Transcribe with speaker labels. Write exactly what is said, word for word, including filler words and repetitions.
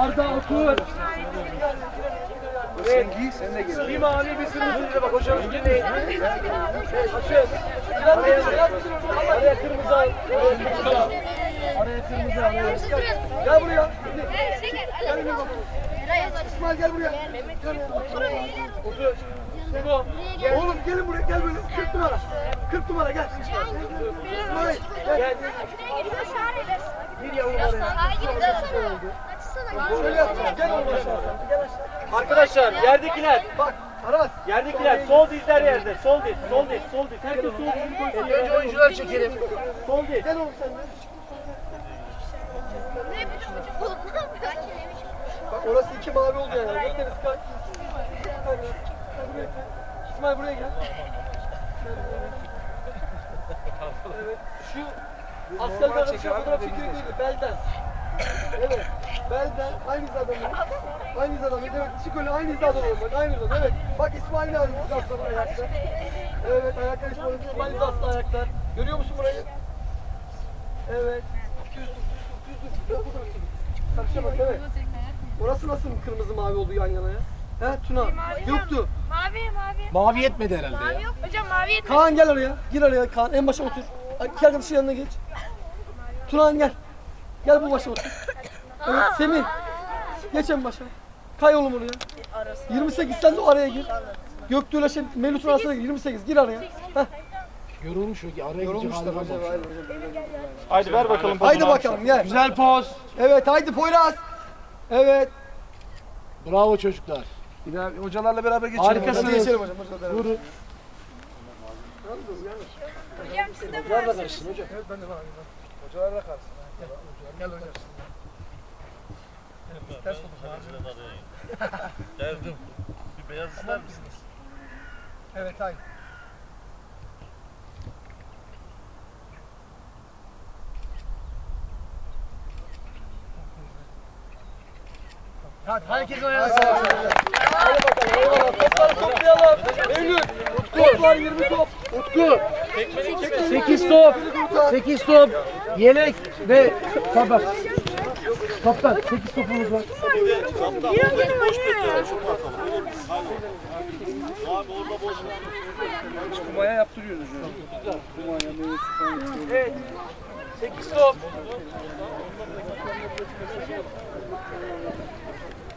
Speaker 1: Arda otur.
Speaker 2: Sen giy, sen de gel.
Speaker 1: Bir mavi bir sürü bak hocam. Dinleyin. Açın. Araya, araya kırmızı al. Araya kırmızı al. Araya kırmızı al. Gel buraya. Gel buraya bak. İsmail gel buraya. Otur. Sego.
Speaker 2: Oğlum gelin buraya, gel böyle. kırk numara. kırk numara gel. İsmail gel.
Speaker 1: Bir yavru var ya.
Speaker 2: Şöyle yapacağız. Gel oğlum aşağı. Gel aşağı.
Speaker 1: Arkadaşlar yerdekiler.
Speaker 2: Bak Aras.
Speaker 1: Yerdekiler sol dizler yerde. Sol diz, sol diz, sol diz. Herkes sol dizini koysun. Önce oyuncular çekelim. Sol diz.
Speaker 2: Gel oğlum sen de. Bak orası iki mavi oldu yani. Bekleriz kalk. İsmail buraya gel. Evet. Şu asker kardeşim fotoğraf çekiyor değil mi? Belden. Evet. Belden aynı hizadayım. Aynı hizadayım. Evet. Çık öyle aynı hizadayım. Bak aynı hizadayım. Evet. Bak İsmail'in aynı hizasında ayakta. Evet. Ayaklar İsmail'in. İsmail'in hizasında ayaklar. Görüyor musun burayı? Evet. Düz dur. Düz dur. Düz dur. Karışamaz evet. Orası nasıl kırmızı mavi oldu yan yana ya? He Tuna? Yoktu.
Speaker 3: Mavi mavi.
Speaker 1: Mavi yetmedi herhalde
Speaker 3: Mavi
Speaker 1: ya.
Speaker 3: yok. Hocam mavi yetmedi.
Speaker 2: Kaan gel oraya. Gir oraya Kaan. En başa otur. İki arkadaşın yanına geç. Turan gel. Gel bu başa otur. Evet Semih. Geç en başa. Kay oğlum oraya. yirmi sekiz sen de araya gir. Göktuğ'la şey Melut'un arasına gir. yirmi sekiz gir araya. Heh.
Speaker 1: Yorulmuş o ki araya
Speaker 2: Yorulmuşlar
Speaker 1: gidecek
Speaker 2: hocam.
Speaker 1: hali
Speaker 4: Haydi ver bakalım.
Speaker 2: Haydi bakalım gel.
Speaker 1: Güzel poz.
Speaker 2: Evet haydi Poyraz. Evet.
Speaker 1: Bravo çocuklar.
Speaker 4: Bir daha hocalarla beraber geçelim.
Speaker 1: Harikasınız.
Speaker 2: Hadi geçelim hocam. Hocalar beraber.
Speaker 1: Vurun.
Speaker 3: Hocam siz de
Speaker 1: Hocalar da
Speaker 3: varsınız.
Speaker 1: karışsın hocam.
Speaker 2: Evet ben de varım.
Speaker 4: Hocalarla kalsın.
Speaker 2: Gel hocam. Ters oldu.
Speaker 4: Geldim. Bir beyaz ister misiniz?
Speaker 2: Evet haydi.
Speaker 1: Hadi herkes oynasın.
Speaker 2: Hadi bakalım. Eyvallah. Topları toplayalım. Eylül. Toplar yirmi top.
Speaker 1: Utku. sekiz top. sekiz top. Yelek ve tabak. Kaptan sekiz topumuz var.
Speaker 4: Kumaya yaptırıyoruz hocam. Kumaya meyvesi falan yaptırıyoruz.
Speaker 1: Evet. sekiz top.